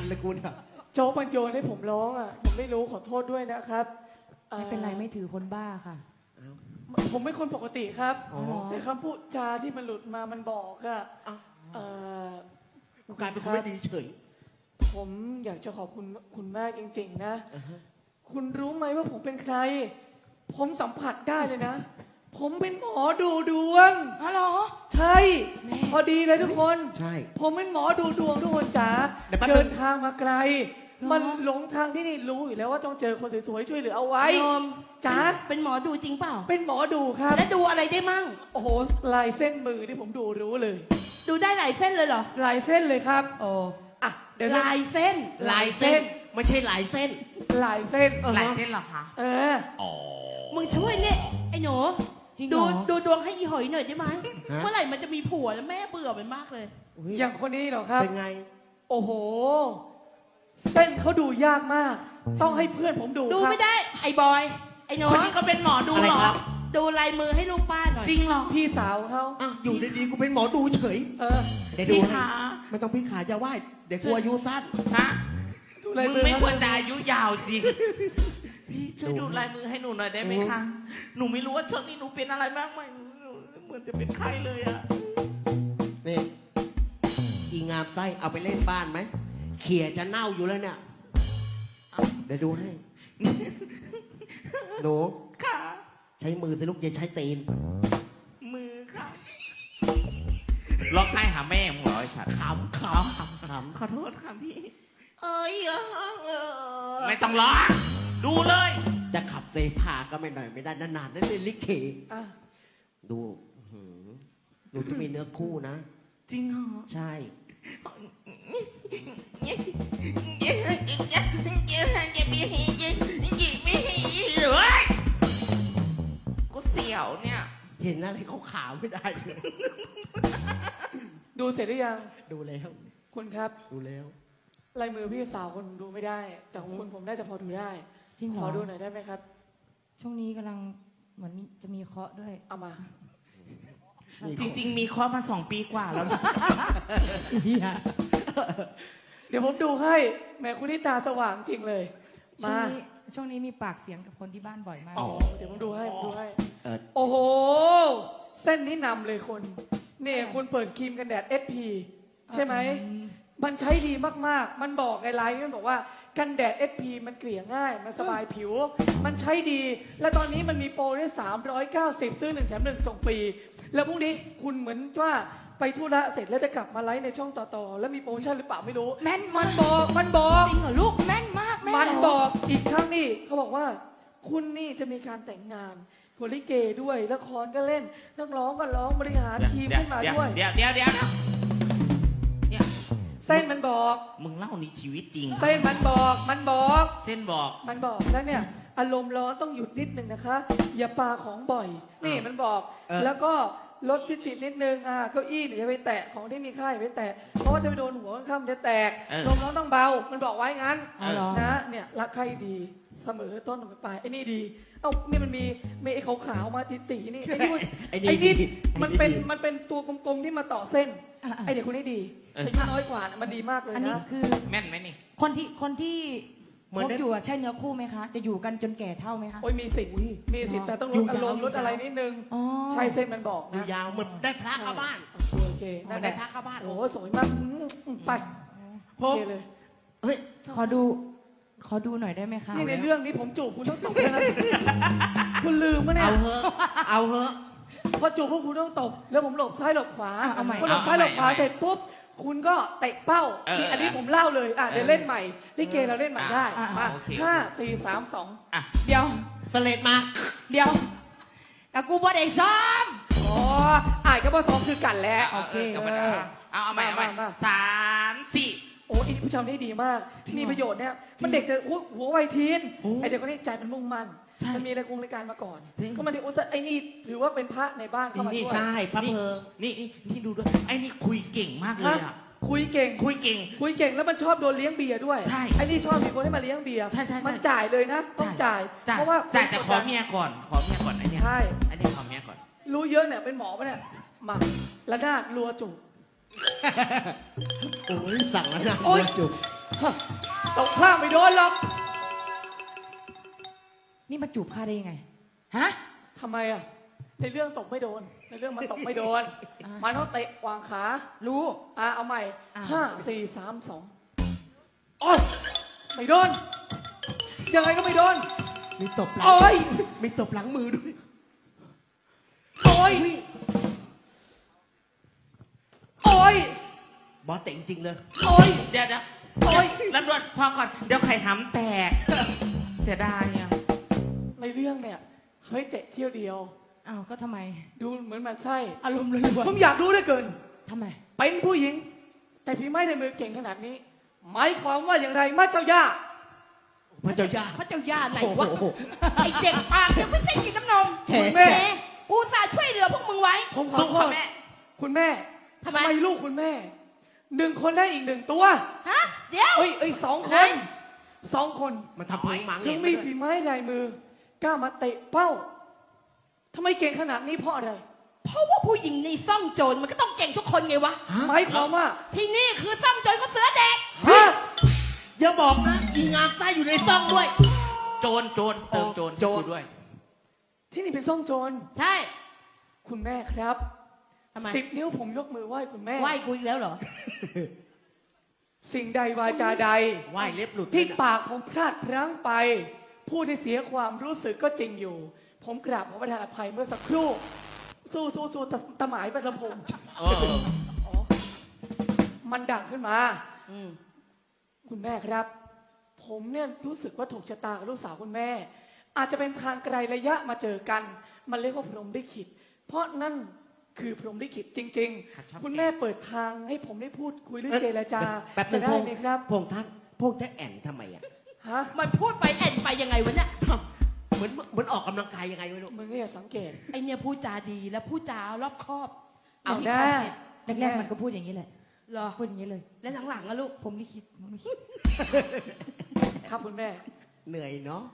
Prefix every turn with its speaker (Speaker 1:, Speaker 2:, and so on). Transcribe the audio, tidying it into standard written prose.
Speaker 1: เลยคุณอะ
Speaker 2: โจ๊กมันโยนให้ผมร้องอ่ะผมไม่รู้ขอโทษด้วยนะครับ
Speaker 3: ไม่เป็นไรไม่ถือคนบ้าค่ะ
Speaker 2: ผมเป็นคนปกติครับ
Speaker 1: อ๋อ
Speaker 2: แต่คำพูดจาที่มันหลุดมามันบอกอะ
Speaker 1: กูกลายเป็นคนไม่ดีเฉย
Speaker 2: ผมอยากจะขอบคุณคุณมากจริงๆนะคุณรู้ไหมว่าผมเป็นใคร ผมสัมผัสได้เลยนะ ผมเป็นหมอดูดวง
Speaker 3: อ๋อเหรอ
Speaker 2: ใช่พอดีเลยทุกคน
Speaker 1: ใช่
Speaker 2: ผมเป็นหมอดูดวงทุกคนจ๋า
Speaker 1: เดี๋ยวแป๊บนึง
Speaker 2: เดินทางมาไกล มันหลงทางที่นี่รู้อยู่แล้วว่าต้องเจอคนสวยๆช่วยเหลือเอาไว้
Speaker 4: ยอม
Speaker 2: จ๋า
Speaker 4: เป็นหมอดูจริงเปล่า
Speaker 2: เป็นหมอดูครับ
Speaker 4: แล้วดูอะไรได้มั่ง
Speaker 2: โอ้โหลายเส้นมือที่ผมดูรู้เลย
Speaker 4: ดูได้หลายเส้นเลยเหรอ
Speaker 2: ลายเส้นเลยครับ
Speaker 4: โอ้
Speaker 2: อ่ะเดี๋ยวนะ
Speaker 4: ลายเส้น
Speaker 1: ลายเส้น ไม่ใช่ลายเส้น
Speaker 2: ลายเส้น
Speaker 5: หลายเส้นเหรอคะ
Speaker 2: เออ
Speaker 4: มึงช่วยเนี่ยไอ้หนู
Speaker 3: จริงเหร
Speaker 4: ดู
Speaker 3: อ
Speaker 4: ดูดวงให้ยีหอยหน่อยได้ไหม
Speaker 1: ฮะ
Speaker 4: เมื่อไหร่มันจะมีผัวแล้วแม่เบื่อมันมากเลย
Speaker 2: อย่างคนนี้เหรอครับ
Speaker 1: เป็นไง
Speaker 2: โอ้โห เส้นเขาดูยากมาก ต้องให้เพื่อนผมดู
Speaker 4: ดู
Speaker 2: ครับ
Speaker 4: ไม่ได้ ไอ้บอย ไอ้หนู
Speaker 5: คนนี้ก็เป็นหมอดู
Speaker 1: อะไร
Speaker 5: เหรอ
Speaker 1: ครับ
Speaker 4: ดูลายมือให้ลูกป้าหน่อย
Speaker 5: จริงเหรอ
Speaker 2: พี่สาวเขา
Speaker 1: อ่ะอยู่ดีๆกูเป็นหมอดูเฉย
Speaker 2: เออ
Speaker 1: เดี๋ยวดู
Speaker 5: พี่
Speaker 1: ให้
Speaker 5: ขา
Speaker 1: ไม่ต้องพี่ขาอย่าไหว้เดี๋ยวกลัวอายุสั้น
Speaker 5: ฮะ
Speaker 2: ดูลาย
Speaker 5: มึง
Speaker 2: มือ
Speaker 5: ไม่ควร
Speaker 2: เขา
Speaker 5: จะอายุยาวจริง พี่ช่วยดูลายมือให้หนูหน่อยได้ไหมคะ หนูไม่รู้ว่าช่วงนี้หนูเป็นอะไรมากไหมเหมือนจะเป็นไข้เลยอะ
Speaker 1: นี่อีงามไส้เอาไปเล่นบ้านไหมเขี่ยจะเน่าอยู่แล้วเนี่ย เดี๋ยวดูให้ หนู
Speaker 5: ค่ะ
Speaker 1: ใช้มือสิลูกอย่าใช้ตีน
Speaker 5: มือค่ะร้องไห้หาแม่มึงเหรอไอ้สัตว์
Speaker 1: ขำขำขำ
Speaker 5: ขอโทษค่ะพี่
Speaker 1: เอ้ย
Speaker 5: ไม่ต้องร้อง ดูเลย
Speaker 1: จะขับเซพาก็ไม่หน่อยไม่ได้นานๆนั่นเล่นลิเก
Speaker 2: อ่ะ
Speaker 1: ดูหนูต้องมีเนื้อคู่นะ
Speaker 5: จริงเหรอ
Speaker 1: ใช่
Speaker 5: กูเสียวเนี่ย
Speaker 1: เห็นอะไรเขาขาวไม่ได้เลย
Speaker 2: ดูเสร็จหรือยัง
Speaker 1: ดูแล้ว
Speaker 2: คุณครับ
Speaker 1: ดูแล้ว
Speaker 2: ลายมือพี่สาวคนดูไม่ได้ แต่ของคุณผมน่าจะพอดูได้
Speaker 3: จริงเหร
Speaker 2: ข
Speaker 3: อ
Speaker 2: อดูหน่อยได้ไหมครับ
Speaker 3: ช่วงนี้กำลังเหมือนจะมีเคราะห์ด้วย
Speaker 2: เอามา
Speaker 5: จริง ๆ มีข้อมา2 ปีกว่าแล้วนะ
Speaker 2: เดี๋ยวผมดูให้แหมคุณนี่ตาสว่างจริงเลย
Speaker 3: ช่ว
Speaker 2: มา
Speaker 3: งนี้ช่วงนี้มีปากเสียงกับคนที่บ้านบ่อยมาก
Speaker 2: อ๋อเดี๋ยวผมดูให้ผมดูให้
Speaker 1: เออ
Speaker 2: โอ้โห เส้นนี้นำเลยคนเนี่ยคุณเปิดครีมกันแดด SP ใช่ไหม มันใช้ดีมากๆ มันบอกไอ้ไลน์มันบอกว่ากันแดด SP มันเกลี่ยง่าย มันสบายผิว มันใช้ดี และตอนนี้มันมีโปรได้390 ซื้อ1 แถม 1 ส่งฟรี แล้วพรุ่งนี้คุณเหมือนว่าไปธุระเสร็จแล้วจะกลับมาไลฟ์ในช่องต่อๆ แล้วมีโปรโมชั่นหรือเปล่าไม่รู้
Speaker 3: แม่น
Speaker 2: มั
Speaker 3: มาน ก
Speaker 2: บอก มันบอก
Speaker 4: จริงเหรอลูก
Speaker 3: แม่นมากแม่
Speaker 2: มัน
Speaker 3: เหร
Speaker 2: บอกอีกครั้งนี่เขาบอกว่า คุณนี่จะมีการแต่งงานโพลิเกด้วยละครก็เล่นนักร้องก็ร้องบริหารทีมขึ้นมาด้วย
Speaker 5: เดี๋ยวเนี่ย
Speaker 2: เส้นมันบอก
Speaker 5: มึงเล่านี่ชีวิตจริง
Speaker 2: เส้นมันบอก มันบอก
Speaker 5: เส้นบอก
Speaker 2: มันบอกแล้วเนี่ย อารมณ์ร้อนต้องหยุดนิดนึงนะคะ อย่าปาของบ่อย นี่มันบอก แล้วก็ลดที่ติดนิดนึงเก้าอี้อย่าไปแตะของที่มีค่าอย่าไปแตะเพราะว่าจะไปโดนหัวข้างๆจะแตก ลมร้อนต้องเบา มันบอกไว้งั้น
Speaker 3: อ๋อเหรอ
Speaker 2: นะเนี่ยรักใครดีเสมอต้นปลายไอ้นี่ดีเอ้านี่มันมีไอ้ขาวๆมาตีๆนี่ไอ้นี่
Speaker 1: ไอ้
Speaker 2: ไอ้
Speaker 1: นี่
Speaker 2: นี่
Speaker 1: ดี
Speaker 2: มันเป็นตัวกลมๆที่มาต่อเส้น
Speaker 3: อ่ะ
Speaker 2: ไอ้เด็กคนนี้ดี
Speaker 5: เออ
Speaker 2: อายุน้อยกว่านะมันดีมากเลย
Speaker 3: อันนี้
Speaker 2: นะ
Speaker 3: คือ
Speaker 5: แม่นไหมนี่
Speaker 3: คนที่คบอยู่อะใช่เนื้อคู่ไหมคะ จะอยู่กันจนแก่เท่าไหมคะ
Speaker 2: โอ้ยมีสิทธิ์มีสิทธิ์แต่ต้องลดอารมณ์ลดอะไรนิดนึง
Speaker 3: อ๋อ
Speaker 2: ใช่เส้นมันบอก
Speaker 1: ดู
Speaker 2: นะ
Speaker 1: ยาวเหมือนได้พระเข้าบ้าน
Speaker 2: โอเค
Speaker 1: เหมื
Speaker 2: นั่
Speaker 1: อน
Speaker 2: นแห
Speaker 1: ได้
Speaker 2: ละ
Speaker 1: พระเข้าบ้าน
Speaker 2: โอ้โหสวยมากไป
Speaker 5: พ
Speaker 2: โอบ เคเลย
Speaker 1: เฮ้ย
Speaker 3: ขอดูหน่อยได้ไหมคะ
Speaker 2: นี่ในเรื่องนี้ผมจูบคุณต้องตบเลยนะคุณลืมมะเนี่ย
Speaker 1: เอาเหอะเอาเหอะ
Speaker 2: พอจูบพวกคุณต้องตบแล้วผมหลบซ้ายหลบขวา
Speaker 3: เอาใหม่
Speaker 2: พอหลบซ้ายหลบขวาเสร็จปุ๊บคุณก็เตะเป้านี่อันนี้ผมเล่าเลยเดี๋ยวเล่นใหม่ลิเกเราเล่นใหม่ได้มา5 4 3 2
Speaker 3: เดี๋ยว
Speaker 1: สเลดมา
Speaker 3: เดี๋ยวกับกูบ่ได้ซ้อม
Speaker 2: อ๋ออ่านก็บ่ซ้อมคือกันแล้ว
Speaker 3: โอเค
Speaker 5: กลับมาเอาใหม่
Speaker 2: มา
Speaker 5: 3 4
Speaker 2: โอ้อีผู้ชายนี่ดีมากมีประโยชน์เนี่ยมันเด็กแต่หัววัยทีนไอเด็กคนนี้ใจมันมุ่งมั่นมันมีรายการมาก่อนก็มันถึงไอ้นี่ถือว่าเป็นพระในบ้านเข้ามา
Speaker 1: นี่
Speaker 2: ด้วย
Speaker 1: ใช่พระเพลิง
Speaker 5: นี่ดูด้วย ไอ้นี่คุยเก่งมากเลยอ่ะ
Speaker 2: คุยเก่ง
Speaker 5: คุยเก่ง
Speaker 2: คุยเก่งแล้วมันชอบโดนเลี้ยงเบียร์ด้วย
Speaker 5: ใช่
Speaker 2: ไอ้นี่ชอบมีคนให้มาเลี้ยงเบียร์
Speaker 5: ใช่
Speaker 2: มันจ่ายเลยนะต้องจ่ายเพราะว่า
Speaker 5: จ่ายแต่ขอเมียก่อนไอ้เนี่ย
Speaker 2: ใช่
Speaker 5: ไอ้เนี่ยขอเมียก่อน
Speaker 2: รู้เยอะเนี่ยเป็นหมอปะเนี่ยมาละนาดรัวจุก
Speaker 1: โอ้ยสั่งแล้วนะ
Speaker 2: โอ๊ย
Speaker 1: จุก
Speaker 2: ฮะตกข้างไม่โดนหรอก
Speaker 3: นี่มาจูบข้าได้ยังไง ฮะ
Speaker 2: ทำไมอ่ะ ในเรื่องตกไม่โดน ในเรื่องมันตกไม่โดน
Speaker 3: อ่ามั
Speaker 2: มันต้องเตะวางขา
Speaker 3: รู้
Speaker 2: เอาใหม่
Speaker 3: อ่า
Speaker 2: 5 4 3 2โอ๊ยไม่โดน ยังไงก็ไม่โดน
Speaker 1: มีตบหลัง
Speaker 2: โอ๊ย
Speaker 1: มีตบหลังมือด้วย
Speaker 2: โอ๊ย
Speaker 1: อุ๊ย
Speaker 2: โอ๊ย
Speaker 1: บอสเตะจริงๆเลย
Speaker 2: โอ๊ย
Speaker 5: เดี๋ยว
Speaker 2: โอ๊ย
Speaker 5: ลำดวนพอก่อน เดี๋ยวไข่หำแตก เสียดายอ่ะ
Speaker 2: ในเรื่องเนี่ยเฮ้ยเตะเที่ยวเดียว
Speaker 3: อ้าวก็ทำไม
Speaker 2: ดูเหมือนมันไส้
Speaker 3: อารมณ์เลยว่ะ
Speaker 2: ผมอยากรู้เหลือเกิน
Speaker 3: ทำไม
Speaker 2: เป็นผู้หญิง แต่ฝีไม้ในมือเก่งขนาดนี้ หมายความว่าอย่างไรมาเจ้าย่า
Speaker 1: พระเจ้าย่า
Speaker 4: พระเจ้าย่าไหนวะ
Speaker 1: โอ้โห
Speaker 4: ไอเด็กปากยังไม่ใช่กินน้ำนม
Speaker 1: แหม
Speaker 2: แม่
Speaker 4: กูสาช่วยเหลือพวกมึงไว้
Speaker 2: ผมขอ
Speaker 5: สู้
Speaker 2: โท
Speaker 5: ค่ะ
Speaker 2: ษ
Speaker 5: แม่
Speaker 2: คุณแม่
Speaker 4: ทำไม
Speaker 2: ลูกคุณแม่1 คนได้อีก1 ตัว
Speaker 4: ฮะ เดี๋ยว
Speaker 2: เอ้ย2 ค
Speaker 4: ไหน
Speaker 2: น2 คน
Speaker 1: มันทำเพลงหมัง
Speaker 2: ถึ
Speaker 1: เอง ง
Speaker 2: มีฝีไม้ลายมือกล้ามาเตะเป้าทำไมเก่งขนาดนี้เพราะอะไร
Speaker 4: เพราะว่าผู้หญิงในซ่องโจรมันก็ต้องเก่งทุกคนไงวะ
Speaker 2: หมายความว่า
Speaker 4: ที่นี่คือซ่องโจรก็เสือเด็ก
Speaker 2: ฮะ
Speaker 1: อย่าบอกนะ อีงามไส้อยู่ในซ่องด้วย
Speaker 5: โจรเติมโจร
Speaker 1: โจร
Speaker 5: กูด้วย
Speaker 2: ที่นี่เป็นซ่องโจร
Speaker 4: ใช่
Speaker 2: คุณแม่ครับ
Speaker 4: ทำไม
Speaker 2: 10 นิ้วผมยกมือไหว้คุณแม่
Speaker 4: ไหว้กูอีกแล้วเหรอ
Speaker 2: สิ่งใดวาจาใด
Speaker 1: ไหวเล็บหลุด
Speaker 2: ที่
Speaker 1: เลยนะ
Speaker 2: ปากผมพลาดพลั้งไป พูดให้เสียความรู้สึกก็จริงอยู่ ผมกราบขอประทานอภัยเมื่อสักครู่ สู้ตะหมายประลำพง
Speaker 5: เออ
Speaker 2: อ๋อมันดังขึ้นมา
Speaker 4: อืม
Speaker 2: คุณแม่ครับ ผมเนี่ยรู้สึกว่าถูกชะตากับลูกสาวคุณแม่ อาจจะเป็นทางไกลระยะมาเจอกัน มันเรียกว่าพรหมลิขิตเพราะนั่นคือพรหมลิขิตจริง ๆ คุณแม่เปิดทางให้ผมได้พูดคุยเรื่องเจรจา
Speaker 1: แป๊บนึ
Speaker 2: จะ
Speaker 1: ง
Speaker 2: ได้
Speaker 1: พง
Speaker 2: ไหมครับ
Speaker 1: พงท่านพงจะแอนทำไมอ่ะ
Speaker 2: ฮะ
Speaker 4: มันพูดไปแอนไปยังไงวะเนี่ย
Speaker 1: ทำเหมือนออกกำลังกายยังไงไม่รู้
Speaker 2: มึงเนี่ยสังเกต
Speaker 4: ไอเนี่ยพูดจาดีและพูดจารอบคอบ
Speaker 2: เอา
Speaker 4: ย่งที่
Speaker 2: ได้
Speaker 4: เขาเห็น
Speaker 3: แรกๆมันก็พูดอย่างนี้แหละ
Speaker 4: เหรอ
Speaker 3: พูดอย่างนี้เลย
Speaker 4: และหลังๆอะลูก
Speaker 3: ผมลิขิต
Speaker 2: ครับคุณแม่
Speaker 1: เหนื่อยเนาะ